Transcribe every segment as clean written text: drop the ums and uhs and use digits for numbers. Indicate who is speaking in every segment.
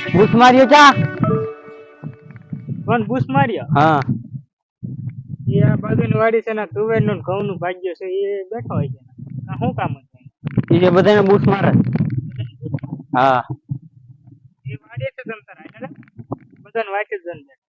Speaker 1: Bourse માર્યો ચા
Speaker 2: કોણ બૂસ માર્યો?
Speaker 1: હા
Speaker 2: એ આ બાજુની વાડી છે ને તુવેર નું ઘઉં નું ભાગ્ય છે એ બેઠો હોય છે. શું કામ હતું?
Speaker 1: એ બધાને બૂસ મારે. હા
Speaker 2: એ વાડી છે તમ તાર ને બધાને વાટી જ જન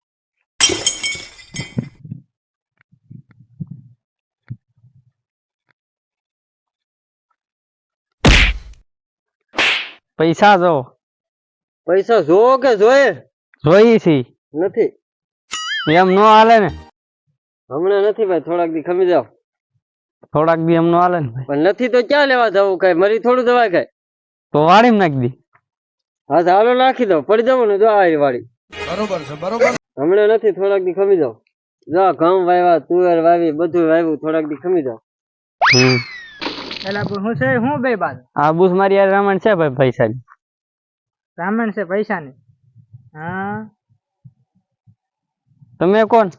Speaker 1: પૈસા જો
Speaker 3: પૈસા જોવો કે જોઈએ?
Speaker 1: જોઈ છી
Speaker 3: નથી,
Speaker 1: એમ નો હાલે ને.
Speaker 3: હમણાં નથી ભાઈ, થોડાક દી ખમી જાવ.
Speaker 1: થોડાક દી એમ નો હાલે ને ભાઈ.
Speaker 3: પણ નથી તો ક્યાં લેવા જવું? કઈ મરી થોડું દવાય કઈ.
Speaker 1: તો વાડી નાખી દી.
Speaker 3: હા ચાલો નાખી દો, પડી જવું ને જો આ વાડી.
Speaker 4: બરોબર છે, બરોબર.
Speaker 3: હમણાં નથી, થોડાક દી ખમી જાવ. જો ઘઉં વાવ્યા, તુવેર વાવી, બધું વાવ્યું, થોડાક દી ખમી જાવ.
Speaker 2: એલા હું છે હું બે બાદ
Speaker 1: આ બૂસ મારી યાર રામણ છે ભાઈ પૈસા ની.
Speaker 2: રામણ છે પૈસા ની. હા
Speaker 1: તમે કોણ?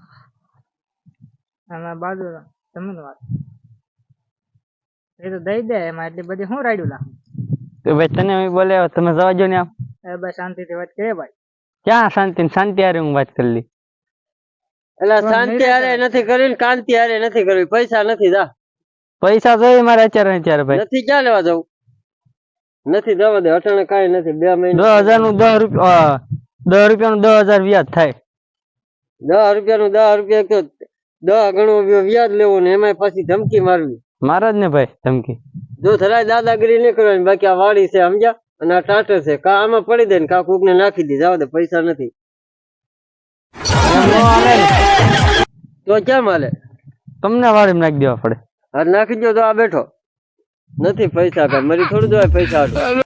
Speaker 2: આમાં બાજુ તમે વાત એ તો દઈ દે એમાં એટલી બધી શું રાડ્યું લાખ.
Speaker 1: તો ભાઈ તને બોલે તમે જવા જો ને આમ.
Speaker 2: એ બસ શાંતિથી વાત કરે ભાઈ.
Speaker 1: ક્યાં શાંતિ? શાંતિ હારે હું વાત કરી લી.
Speaker 3: એટલે શાંતિ હારે નથી કરવી, કાંતિ હારે નથી કરવી, પૈસા નથી. જા
Speaker 1: પૈસા જોઈએ મારે અત્યારે ભાઈ.
Speaker 3: નથી, ક્યાં લેવા જવું? નથી, જવા દે. અટાણે કઈ નથી. 2 મહિના
Speaker 1: 10,000 નું 10 રૂપિયા 10 રૂપિયા નું 10,000 વ્યાજ થાય.
Speaker 3: 10 રૂપિયા નું 10 રૂપિયા તો 10 ગણું વ્યાજ લેવું ને એમાં પછી ધમકી મારવી.
Speaker 1: મારા જ ને ભાઈ ધમકી.
Speaker 3: જો થરાય દાદાગીરી નહીં કરવાની. બાકી આ વાડી છે સમજ્યા, અને આ ટાટર છે. કા આમાં પડી દે ને કા કોક ને નાખી દે. જવા દે, પૈસા નથી. તો કેમ હાલે?
Speaker 1: તમને વાડી નાખી દેવા પડે.
Speaker 3: હા નાખી દો તો આ બેઠો નથી. પૈસા કઈ મરી થોડું દેવાય પૈસા હતું.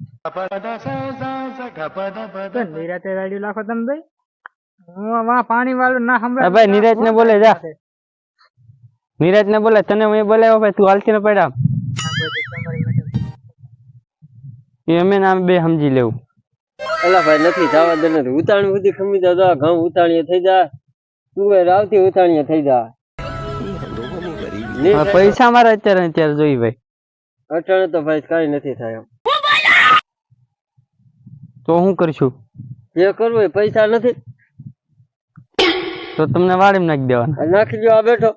Speaker 2: નિરાતે રાડ્યું લાખો તમે ભાઈ. હું વા પાણી વાળું ના સંભળાય
Speaker 1: ભાઈ. નીરજ ને બોલે જા. નીરજ ને બોલે, તને હું બોલાવ્યો ભાઈ, તું હાલતી ને પડ્યા. અમે નામ બે સમજી લેવું.
Speaker 3: એલા ભાઈ નથી, જવા દે. નથી ઉતાણી સુધી ખમી જા. ઘઉં ઉતાણીએ થઈ જાય, તુવેર આવતી ઉતાણીએ થઈ જાય.
Speaker 1: પૈસા મારે અત્યારે જોઈ ભાઈ.
Speaker 3: અટાણે તો ભાઈ કઈ નથી થાય એમ.
Speaker 1: તો હું કરશું?
Speaker 3: જે કરવું એ પૈસા નથી
Speaker 1: તો તમને વાડી નાખી દેવાના.
Speaker 3: નાખી દો. આ બેઠો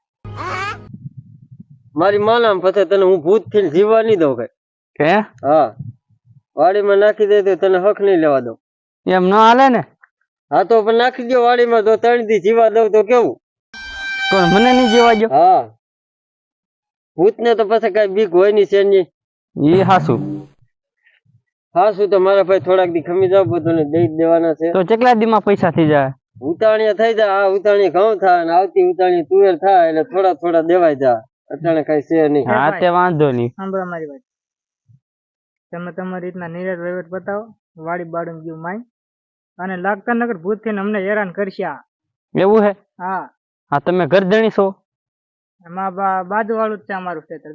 Speaker 3: મારી માનામ પછી તને હું ભૂત થી જીવવા નહીં દઉં કઈ.
Speaker 1: કે
Speaker 3: હા, વાડીમાં નાખી દે તો તને હક નહીં લેવા દઉં.
Speaker 1: એમ ન હાલે ને.
Speaker 3: હા તો પણ નાખી દો વાડીમાં. તો 3 દી જીવા દઉં તો કેવું?
Speaker 1: કોણ મને નહીં જીવા દો?
Speaker 3: હા, ભૂત ને તો પછી કઈ બીક હોય ની છે ની.
Speaker 1: એ હાસુ.
Speaker 3: હાસુ તો મારા ભાઈ થોડાક દી ખમી જાવ, બધું દઈ દેવાના છે.
Speaker 1: તો કેટલા દી માં પૈસા થઈ જાય?
Speaker 3: ઉતાણીયા થઈ જાય. આ ઉતાણી ઘઉં થાય અને આવતી ઉતાણી તુવેર થાય, એટલે થોડા થોડા દેવાય જાય. અટાણે કઈ છે નહીં.
Speaker 1: હા તે વાંધો નહીં.
Speaker 2: સાંભળો મારી વાત. તમે તમારી રીતના નિરાત વહીવટ બતાવો. વાડી બાળું ગયું માય અને લાગતા નગર ભૂત થઈને અમને હેરાન કરશે.
Speaker 1: એવું હે?
Speaker 2: હા
Speaker 1: હા તમે ગરદણી છો?
Speaker 2: એમાં બાજુ વાળું જ છે અમારું ખેતર.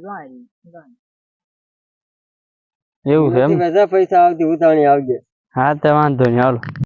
Speaker 1: એવું છે એમ?
Speaker 3: પૈસા આવતી ઉતાણી આવજે.
Speaker 1: હા તે વાંધો નહીં હાલો.